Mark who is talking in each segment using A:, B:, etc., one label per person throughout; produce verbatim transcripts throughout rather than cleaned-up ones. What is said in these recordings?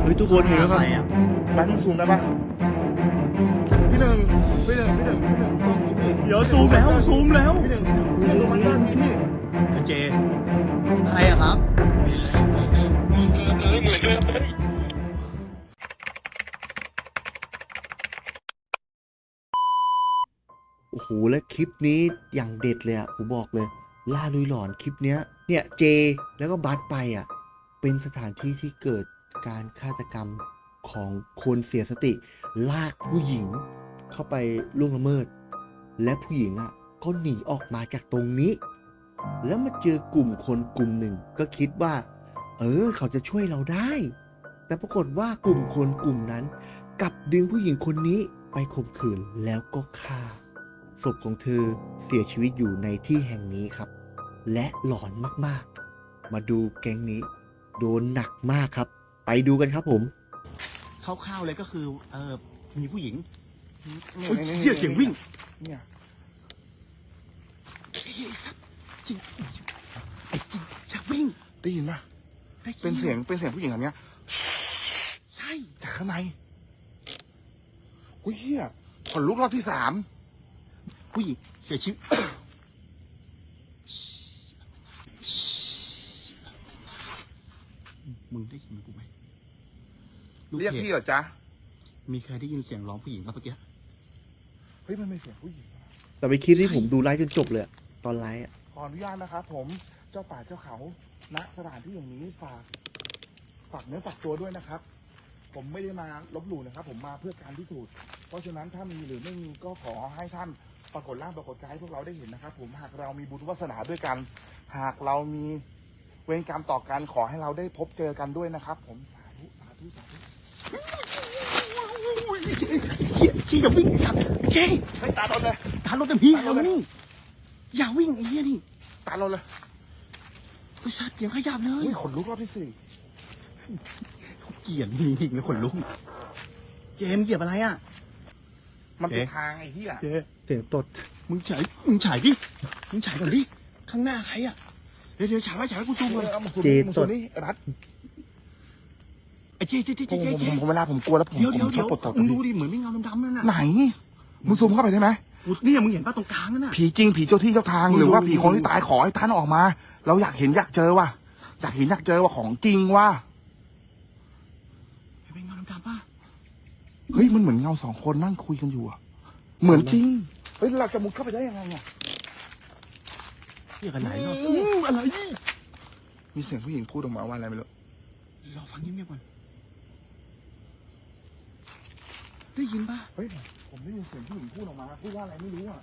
A: เฮ้ยทุกคนเห็นไหมครับ
B: แบงค์ซูมได้ปะพี่หนึ่งพี่หนึ่งพี่หนึ่งพี่หนึ่งตรงนี้พี่
C: เดี๋ยวซูมแล้วซูมแล้ว
B: พี่หนึ่งพี่หนึ่งมันตั้งพี่
C: เจใครอะครับ
A: โอ้โหและคลิปนี้อย่างเด็ดเลยอ่ะผมบอกเลย ล่าลุยหลอนคลิปเนี้ยเนี่ยเจแล้วก็บัสไปอ่ะเป็นสถานที่ที่เกิดการฆาตกรรมของคนเสียสติ ลากผู้หญิงเข้าไปล่วงละเมิด และผู้หญิงอ่ะก็หนีออกมาจากตรงนี้ แล้วมาเจอกลุ่มคนกลุ่มหนึ่งก็คิดว่า เออเขาจะช่วยเราได้ แต่ปรากฏว่ากลุ่มคนกลุ่มนั้นกลับดึงผู้หญิงคนนี้ไปข่มขืนแล้วก็ฆ่า ศพของเธอเสียชีวิตอยู่ในที่แห่งนี้ครับ และหลอนมากๆ มาดูแก๊งนี้ โดนหนักมากครับ ไปดูกันครับผม
C: คร่าวๆเลยก็คือเออมีผู้หญิง
B: นี่
C: โอ้ย
B: นี่
C: เหี้ยเสียงวิ่ง
B: เนี่ย
C: จริงไอ้จริงจะวิ่ง
B: ได้ยินปะ
C: ได้ยิ
B: เป็นเสียงเป็นเสียงผู้หญิงแบบเนี้ย
C: ใช่
B: จากข้างในอุ้ยเฮียขนลุกรอบที่สาม
C: ผู้หญิงเสียชีวิตมึงได้ยินกูไหมลู
B: เรียก
C: พจ
B: พี่เหรอจ๊ะ
C: มีใครได้ยินเสียงร้องผู้หญิงครับเมื่อกี้
B: เฮ้ยมันเป็นเสียงผู้หญิง
A: แต่ไปนคลิปที่ผมดูไลฟ์จนจบเลยอะตอนไลฟ์อะ
B: ขออนุญาตนะครับผมเจ้าป่าเจ้าเขาณสถานที่อย่างนี้ฝากฝากเนื้อฝากตัวด้วยนะครับ ผมไม่ได้มาลบหลู่นะครับ ผมมาเพื่อการพิสูจน์เพราะฉะนั้นถ้ามีหรือไม่มีก็ขอให้ท่านปรากฏร่างปรากฏกายให้พวกเราได้เห็นนะครับ ผมหากเรามีบุญวาสนาด้วยกัน หากเรามีเวรกรรมต่อกันขอให้เราได้พบเจอกันด้วยนะครับ ผมสาธุสาธุสาธุ
C: เฮียชี้อย่าวิ่งครับเจ๊
B: เฮ้ยตาลนเลย
C: ตามรถเต็มที่แล้วนี่อย่าวิ่งไอ้เหี้ยนี่
B: ตาลนเลย
C: ผู้ชายเสียงขยับเลย
B: เฮ้ยขนลุกรอบที่สี่
C: เกลียดจริงๆเลยขนลุกเจมส์เหยียบอะไรอ่ะ
B: มันเป็น
C: เอ๊ะ
B: ทางไอ้เหี้ย
C: เจ๊
A: เสียงตด
C: มึงฉายมึงฉายดิมึงฉายก่อนดิข้างหน้าใครอ่ะเดี๋ยวเดี๋ยวฉายไว้ฉายไว้กูซูมก่อน
B: เอามาซูม
A: เจ
B: นี่มาซู
A: ต
B: ม
A: ด
B: นี่ไอ้รัด
C: ไอ้เจ๊เจ๊เจ๊
B: ผม
C: เจ๊
B: ผม
C: เจ๊
B: ผมผมเวลาผมกลัวแล้วผม
C: เดี๋ยว
B: ผ
C: เดี๋ยว
B: มช
C: เดี๋
B: อ
C: ยว
B: บปวดตด
C: มึงดูดิเหมือนไม่เงาดำๆนั่นน่ะ
B: ไหนมึงซูมเข้าไปได้ไหม
C: เนี่ยมึงเห็นป่ะตรงกลางนั่นน่ะ
B: ผีจริงผีเจ้าที่เจ้าทาง
C: มึงดู
B: หรือว่า
C: มึง
B: ผี
C: ดู
B: คนที่ตายขอให้ท่านออกมา เราอยากเห็นอยากเจอว่ะอยากเห็นอยากเจอว่าของจริงว่ะ
C: เป็นเงาดำๆป่ะ
B: เฮ้ยมันเหมือนเงาสองคนนั่งคุยกันอยู่อะเหมือนจริงเฮ้ยเราจะมุดเข้าไปได้ยังไงเนี่ย
C: เรียกกันไหนเนาะอืมอะไร
B: มีเสียงผู้หญิงพูดออกมาว่าอะไรไม่รู้
C: เราฟังเงียบๆก่อนได้ยินป่ะ
B: เฮ้ยผมได้ยินเสียงผู้หญิงพูดออกมาพูดว่าอะไรไม่รู้อะ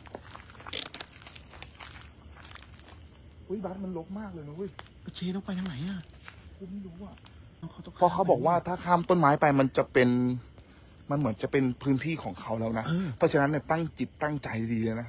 B: เฮ้ยบัสมันลกมากเลยนะเว้ย
C: เชต้องไปทางไหนอ่ะ
B: กูไม่รู้อะ
C: เขาต้อง
B: เพราะเขาบอกว่าถ้าข้ามต้นไม้ไปมันจะเป็นมันเหมือนจะเป็นพื้นที่ของเขาแล้วนะ
C: เออ
B: เพราะฉะนั้นเนี่ยตั้งจิตตั้งใจดีเลยนะ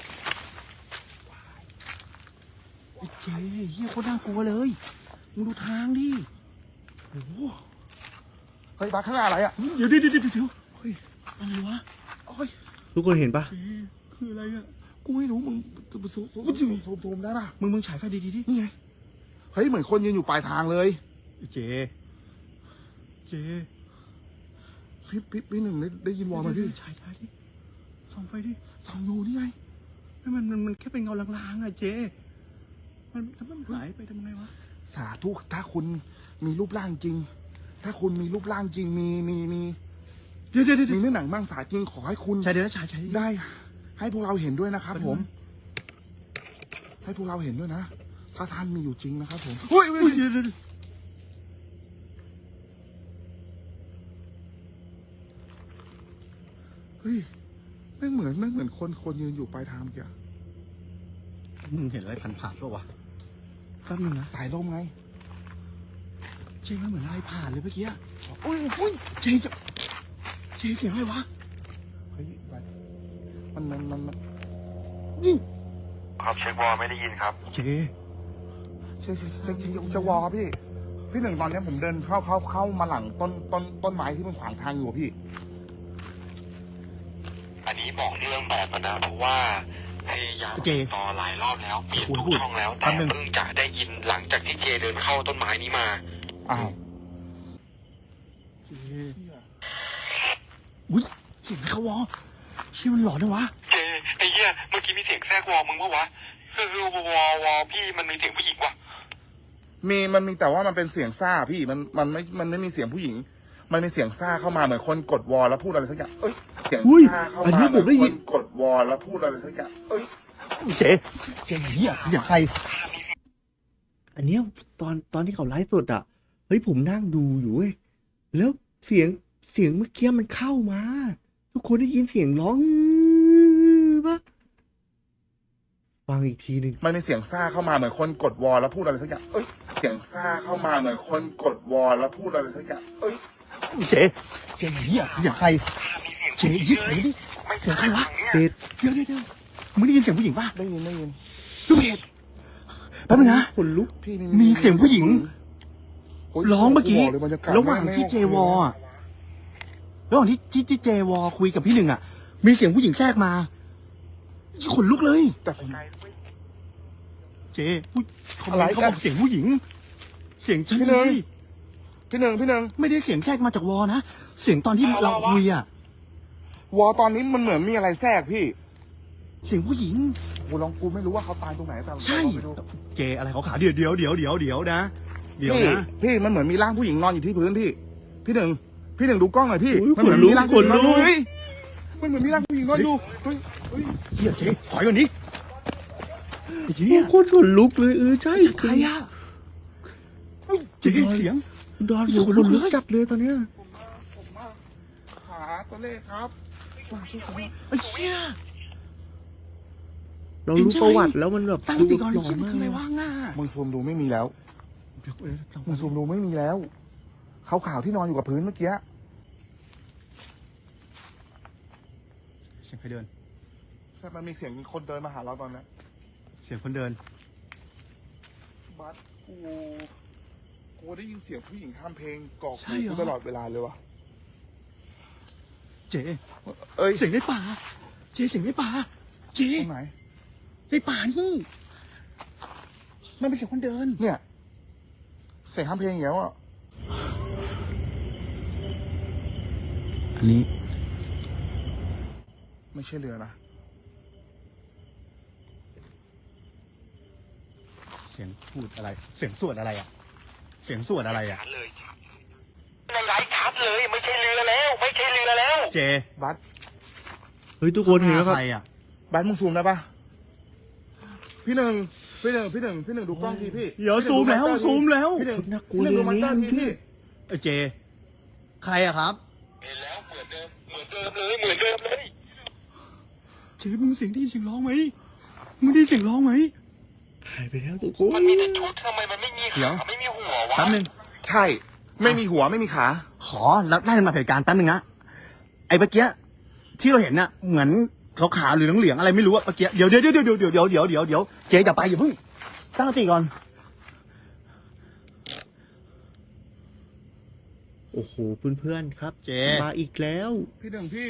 C: ไอ้เจเฮียโคตรน่ากลัวเลยมึงดูทางดิโอ้โห
B: เฮ้ยบัสข้างหน้าอะไรอะ
C: เดี๋ยวเดี๋ยวเดี๋ยวเดี๋ยว
B: เฮ้ย
C: อะไรวะ
B: โอ้ย
A: ทุกคนเห็นปะ
C: เจคืออะไรอ่ะกูไม่รู้มึง
B: ซูมซูมซูมซูมซูมได้ป่ะ
C: มึงมึงฉายไฟดีๆดิ
B: นี่ไงเฮ้ยเหมือนคนยืนอยู่ปลายทางเลย
C: เจเจ
B: พี่พี่พี่หนึ่งได้ได้ยินวอลไหมพี่
C: ฉายฉายดิส่องไฟดิ
B: สองอยู่นี่ไง
C: ไม่มันมันมันแค่เป็นเงาลางๆอ่ะเจมันถ้ามันหายไปทำไงวะ
B: สาธุถ้าคุณมีรูปร่างจริง ถ้าคุณมีรูปร่างจริงมีมีมี
C: เดี๋ยวเดี๋ยวเดี๋ยว
B: มีเนื้อหนังมังสาจริงขอให้คุณ
C: ฉายเดี๋ยวนะฉายฉาย
B: ได้ ให้พวกเราเห็นด้วยนะครับ
C: ไปดู
B: ผม ให้พวกเราเห็นด้วยนะ ถ้าท่านมีอยู่จริงนะครับผม
C: เฮ้ยเฮ้ยเดี๋ยวเดี๋ยวเดี๋ยว
B: เฮ้ยไม่เหมือนไม่เหมือนคนคนยืนอยู่ปลายทางเมื่อกี้
C: มึงเห็นอะไรผ่านผ่านๆป่าวะแป๊บนึงนะ
B: สายลมไง
C: เจมันเหมือนอะไรผ่านเลยเมื่อกี้
B: อุ้ยอุ้ย
C: เจจะเจเสียงอะไรวะ
B: เฮ้ยไปมันมันมันมัน
C: นี่
D: ครับเช็ควอลไม่ได้ยินครับ
C: เจ
B: เช็คเช็คเช็คเช็คจะวอลครับพี่ พี่หนึ่งตอนนี้ผมเดินเข้าเข้าเข้ามาหลังต้นต้นต้นไม้ที่มันขวางทางอยู่อะพี่
D: อันนี้บอกเรื่องแบบนะเพราะว่าพยายามติดต่อหลายรอบแล้วเปลี่ยนทุกช่องแล้วแต่เพิ่งจะได้ยินหลังจากที่เจเดินเข้าต้นไม้นี้มา
B: อ้าว
C: เจอุ้ยเสียงอะไรเขาวอเชี่ยมันหลอนนะวะ
D: เจไอ้เหี้ยเมื่อกี้มีเสียงแทรกวอมึงปะวะคือคือวอวอพี่มันมีเสียงผู้หญิงวะ
B: มีมันมีแต่ว่ามันเป็นเสียงซ่าพี่มันมันไม่มันไม่มีเสียงผู้หญิง มันมีเสียงซ่าเข้ามาเหมือนคนกดวอลแล้วพูดอะไรสักอย่างเอ้ยเสียง
A: อุ้ย
B: ซ่าเข้า
A: อัน
B: มา
A: นี้
B: เห
A: ผ
B: มือ
A: ม
B: น
A: ได้
B: ค
A: ยิน
B: นกดวอลแล้วพูดอะไรสักอย่างเอ้ย
C: เจ๊เจ๊เฮียเฮียใคร
A: อันเนี้ยตอนตอนที่เขาไลฟ์สดอ่ะ เฮ้ยผมนั่งดูอยู่เว้ย แล้วเสียงเสียงเมื่อกี้มันเข้ามา ทุกคนได้ยินเสียงร้องปะฟังอีกทีหนึ่ง
B: มันมีเสียงซ่าเข้ามาเหมือนคนกดวอลแล้วพูดอะไรสักอย่างเอ้ยเสียงซ่าเข้ามาเหมือนคนกดวอลแล้วพูดอะไรสักอย่างเอ้ย
C: เจ๊เจ๊เฮียเฮียใครเจ๊ยึดไหนดิเสียงใครวะ
A: เด็ด
C: เดี๋ยวเดี๋ยวเดี๋ยวมึงได้ยินเสียงผู้หญิงป่ะ
B: ได้ยินได้ยิน
C: ดูเพจแป๊บนึงนะ
A: ขนลุก
B: พี่
C: มีเสียงผู้หญิง
B: โย
C: ร้องเมื่อกี้
B: บลยบยศ
C: ระหว่างที่เจวออะระหว่างที่ที่ที่เจวอคุยกับพี่หนึ่งอ่ะ มีเสียงผู้หญิงแทรกมาขนลุกเลย
B: แต่ผม
C: เจ๊อุ๊ยเขาบอกเขาบอกเสียงผู้หญิง เสียงฉัน
B: พี่ห
C: เล
B: นึ่ง
C: ย
B: พี่หนึ่งพี่หนึ่ง
C: ไม่ได้เสียงแทรกมาจากวอนะ เสียงตอนที่เราคุยอ่ะ
B: วอลตอนนี้มันเหมือนมีอะไรแทรกพี่
C: เสียงผู้หญิง
B: กูลองกูไม่รู้ว่าเขาตายตรงไหนแต่
C: ใช่
B: ลองไปดู
C: เจอะไรเขาขาเดี๋ยวเดี๋ยวเดี๋ยวเดี๋ยวเดี๋ยวนะ เดี๋ยว
B: พี่
C: นะ
B: พี่มันเหมือนมีร่างผู้หญิงนอนอยู่ที่พื้นพี่ พี่หนึ่งพี่หนึ่งดูกล้องหน่อยพี่
A: โอ้ย
B: มันเหมือน
A: ขนลุก
B: มีร่างผู้หญิงนอนอยู่
A: ขนลุก
B: เฮ้ยมันเหมือนมีร่างผู้หญิงนอนอยู่เฮ้ยเฮ้ย
C: เฮียเจ๊ถอยก่อนนี้ไอ้เจ๊
A: โคตรขนลุกเลยเออใช่
C: ใครอ่ะเฮ้ยเจ๊เสียง
A: ดอนผมขนลุกจัดเลยตอนเนี้ย
B: ผมมาหาตัวเลขครับมาช่วยผม
C: ไอ้เหี้ย
A: เรารู้ประวัติแล้วมันแบบ
C: ตั้ง
A: ดู
C: สติก่อน
A: หล
C: ไอ้
A: อน
C: เหี้ยมัน
A: มาก
C: คืออะไร
A: เลย
C: วะง่า
B: มึงซูมดูไม่มีแล้ว
C: เดี๋ยวเดี๋ยว
B: มึงซูมดูไม่มีแล้วขาวๆที่นอนอยู่กับพื้นเมื่อกี้
C: เสียงใครเดิน
B: ใช่มันมีเสียงคนเดินมาหาเราตอนนี้
C: เสียงคนเดิน
B: บัสกูกูได้ยินเสียงผู้หญิงทำเพลงกรอก
C: ใช่
B: หู
C: เหรอ
B: กูตลอดเวลาเลยวะ
C: เจ๊
B: เอ้ย
C: เสียงในป่า เจ๊เสียงในป่า เจ๊
B: ตรงไหน
C: ในป่านี่ มันเป็นเสียงคนเดิน
B: เนี่ยเสียงทำเพลงอย่างเงี้ยอ่ะ
C: อันนี้
B: ไม่ใช่เรือนะ
C: เสียงพูดอะไร เสียงสวดอะไรอ่ะ เสียงสวดอะไรอ่ะ
D: ชัดเลยในไลฟ์ชัดเลยไม่ใช่เรือแล้วไม่ใช่เรือแล้ว
C: เจ
B: บัส
A: เฮ้ยทุกคนเห็นแล้วครับ
C: ใครอ่ะ
B: บัสมึงซูมได้ปะพี่หนึ่งพี่หนึ่งพี่หนึ่งพี่หนึ่งดูกล้องทีพี่
C: เดี๋ยว
B: พี่หนึ่ง
C: ซูมแล้ว
B: ดูอนเตอร์ที
C: ซูมแล้ว
B: พี่หนึ่ง
A: คนน่ากลัว
B: พี่หนึ่งดู
A: เลย
B: มอนเตอร์
A: นี่
B: ทีพี่
C: เอ้ยเจ ใครอะครับ
D: เห็นแล้วเหมือนเดิมเหมือนเดิมเลยเหมือนเดิมเลย
C: เจมึงเสียงได้ยินเสียงร้องไหมมึงได้ยินเสียงร้องไหม
A: หายไปแล้วทุกคน
D: มันมีแต่ชุดทำไมมันไม่มี
C: เดี๋ยว
D: ขาไม่มีหัววะ
C: แป๊บนึง
B: ใช่ ไม่มีหัวไม่มีขา
C: ขอแล้วได้มาเหตุการณ์แป๊บนึงนะไอ้เมื่อกี้ที่เราเห็นน่ะเหมือนขาวๆหรือเหลืองๆอะไรไม่รู้อะเมื่อกี้เดี๋ยวเดี๋ยวเดี๋ยวเดี๋ยวเดี๋ยวเดี๋ยวเดี๋ยวเดี๋ยวเจ๊อย่าไปอย่าเพิ่งตั้งสติก่อน
A: โอ้โหเพื่อนๆครับ
C: เจ๊
A: มาอีกแล้ว
B: พี่หนึ่งพี่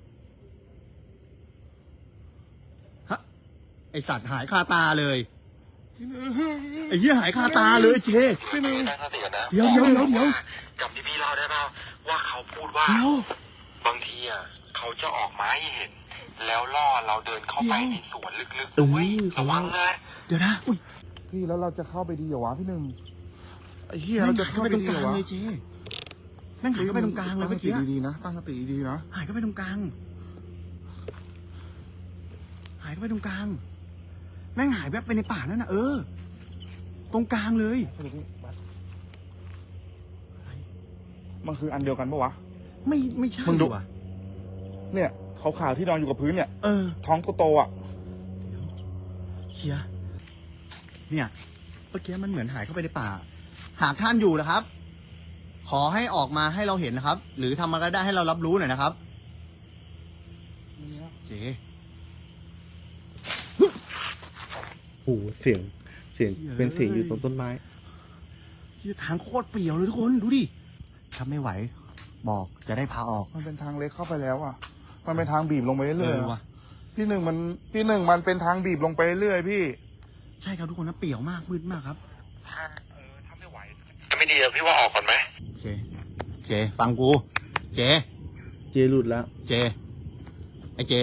C: ฮะไอสัตว์หายคาตาเลย
B: พี่หนึ่ง
C: ไอ้เหี้ยหายคาตาเลยเจ๊
B: พี่หนึ่ง
D: ตั้งสติก่อนนะ
C: เดี๋ยวเดี๋ยวเดี๋ยวเดี๋ยว
D: จำที่พี่เล่าได้เปล่าว่าเขาพูดว่า
C: เดี๋ยว
D: บางทีอ่ะเขาจะออกมาให้เห็น แล้วล่อเราเดินเข้าไปในสวนลึก
A: เอ
D: ๆ
A: อ
D: ด้วย
A: เขา
D: ระวั
A: ว่า
D: งเลย
C: เดี๋ยวนะอุ้ย
B: พี่แล้วเราจะเข้าไปดีเหรอวะพี่หนึ่งไอ้เหี้ย
C: แม่
B: เรา
C: ง
B: จะ
C: หาย
B: เข้า
C: เข้า
B: ไป
C: ไปตรง
B: ดี
C: ก
B: เหร
C: ลา
B: อง วะ
C: เลยเจ๊แม่งหายเข้าไปตรงกลางเลยเมื่อกี้
B: ตั้งสติดีๆนะตั้งสติดีๆนะ
C: หายเข้าไปตรงกลาง หายเข้าไปตรงกลาง แม่งหายแบบไปในป่านั่นน่ะเออ ตรงกลางเลย
B: มันคืออันเดียวกันปะวะ
C: ไม่ไม่ใช่
B: มึงดู
C: ว่ะ
B: เนี่ยขาวๆที่นอนอยู่กับพื้นเนี่ย
C: เออ
B: ท้องโตๆอ่ะ
C: เชียเนี่ยเมื่อกี้มันเหมือนหายเข้าไปในป่า หากท่านอยู่นะครับ ขอให้ออกมาให้เราเห็นนะครับ หรือทำอะไรได้ให้เรารับรู้หน่อยนะครับ เจ๊
A: โอ้โหเสียงเสียงเป็นเสียงอยู่ตรงต้นไม้
C: ที่ทางโคตรเปลี่ยวเลยทุกคนดูดิถ้าไม่ไหว บอกจะได้พาออก
B: มันเป็นทางเล็กเข้าไปแล้วอ่ะ มันเป็นทางบีบลงไป
C: เอ
B: เรื่อย
C: อ
B: ๆ
C: ว่ะ
B: อะพี่หนึ่งมันพี่หนึ่งมันเป็นทางบีบลงไปเรื่อยๆพี่
C: ใช่ครับทุกคนนะเปลี่ยวมากมืดมากครับ
D: ถ้าเออถ้าไม่ไหวจะไม่ดีอะพี่ว่าออกก่อนไหม
C: โอเค เจเจฟังกูเจ
A: เจหลุดแล้ว
C: เจไอเจ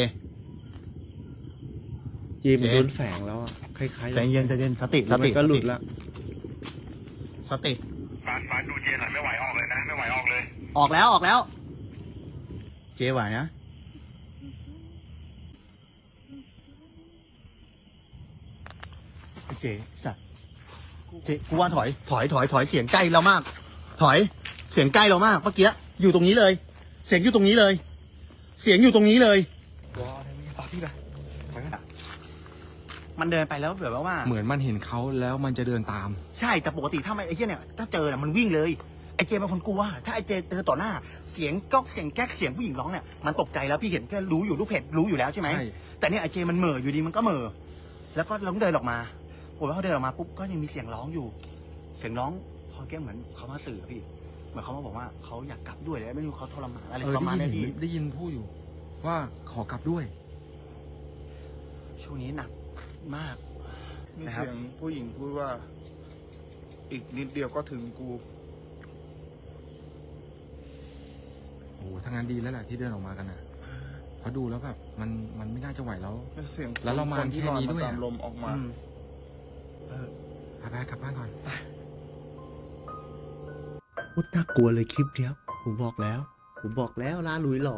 A: เจมัน
C: เจ
A: โดนแฝงแล้วอะคล้ายๆ
C: ใจเย็นใจเย็นสติส
A: แล้วมั
C: ติ
A: นก็หลุดแล้ว
C: สติ
D: ฟาดฟาดดูเจหน่อยไม่ไหวออกเลยนะ ไม่ไหวออกเลย
C: ออกแล้วออกแล้ว เจไหวนะไอเจสัตว์เจกูว่าถอยถอยถอยถอยเสียงใกล้เรามาก ถอยเสียงใกล้เรามากเมื่อกี้อยู่ตรงนี้เลย เสียงอยู่ตรงนี้เลย เสียงอยู่ตรงนี้เลย
B: วอลนี่ต่อที่ไปไปกัน
C: มันเดินไปแล้วแบบว่า
E: เหมือนมันเห็นเขาแล้วมันจะเดินตาม
C: ใช่แต่ปกติถ้าไม่ไอ้เหี้ยเนี่ยถ้าเจอเนี่ยมันวิ่งเลยไอ้เจเป็นคนกลัวถ้าไอ้เจเจอต่อหน้า เสียงก๊อกเสียงแก๊กเสียงผู้หญิงร้องเนี่ยมันตกใจแล้วพี่เห็นก็รู้อยู่ลูกเพจรู้อยู่แล้วใช่ไหม
E: ใช่
C: แต่เนี่ยไอ้เจมันเหม่ออยู่ดีมันก็เหม่อแล้วก็เราเดินออกมาผมว่าเขาเดินออกมาปุ๊บก็ยังมีเสียงร้องอยู่ เสียงร้องพอแก้เหมือนเขามาตื่นอะพี่เหมือนเขามาบอกว่าเขาอยากกลับด้วยแล้วไม่รู้เขาทรมานอะไร
E: เออ
C: ประมาณ
E: ได้
C: เนี้
E: ยิ
C: ย
E: น
C: พี่
E: ได้ยินพูดอยู่ ว่าขอกลับด้วย
C: ช่วงนี้หนักมาก
B: มี
C: นะครับ
B: เสียงผู้หญิงพูดว่า อีกนิดเดียวก็ถึงกู
E: โอ้โหทางานดีแล้วแหละที่เดินออกมากันอ่ะเพราะดูแล้วแบบมันมันไม่น่าจะไหวแล้ว
B: เป็นเสียง
E: แล้วเรามา
B: คนที่
E: แค่
B: ลอย
E: นี้
B: มา
E: ด้วย
B: ตาม
E: อะ
B: ลมออกมา
C: อืมเออ
E: พาไปกลับบ้านก่อน
A: โคตรน่ากลัวเลยคลิปเนี้ยผมบอกแล้ว ผมบอกแล้วล่าลุยหลอน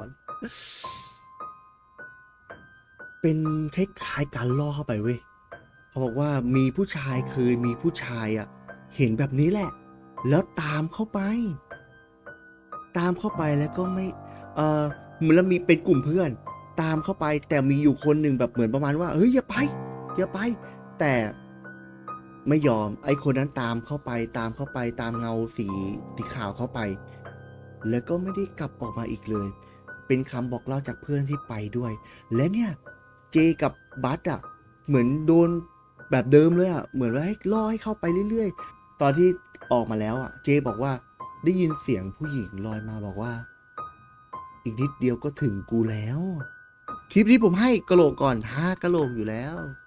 A: เป็นคล้ายๆการล่อเข้าไปเว้ยเขาบอกว่ามีผู้ชายเคยมีผู้ชายอ่ะ เห็นแบบนี้แหละ แล้วตามเข้าไป ตามเข้าไปแล้วก็ไม่ เออเหมือนแล้วมีเป็นกลุ่มเพื่อน ตามเข้าไป แต่มีอยู่คนหนึ่งแบบเหมือนประมาณว่าเฮ้ยอย่าไปอย่าไป แต่ไม่ยอมไอ้คนนั้นตามเข้าไป ตามเข้าไปตามเงาสีสีขาวเข้าไป แล้วก็ไม่ได้กลับออกมาอีกเลย เป็นคำบอกเล่าจากเพื่อนที่ไปด้วย และเนี่ยเจกับบัสอ่ะเหมือนโดนแบบเดิมเลยอ่ะเหมือนว่าให้ล่อให้เข้าไปเรื่อยๆ ตอนที่ออกมาแล้วอ่ะเจบอกว่าได้ยินเสียงผู้หญิงลอยมาบอกว่า อีกนิดเดียวก็ถึงกูแล้ว คลิปนี้ผมให้กะโหลกก่อนห้ากะโหลกอยู่แล้ว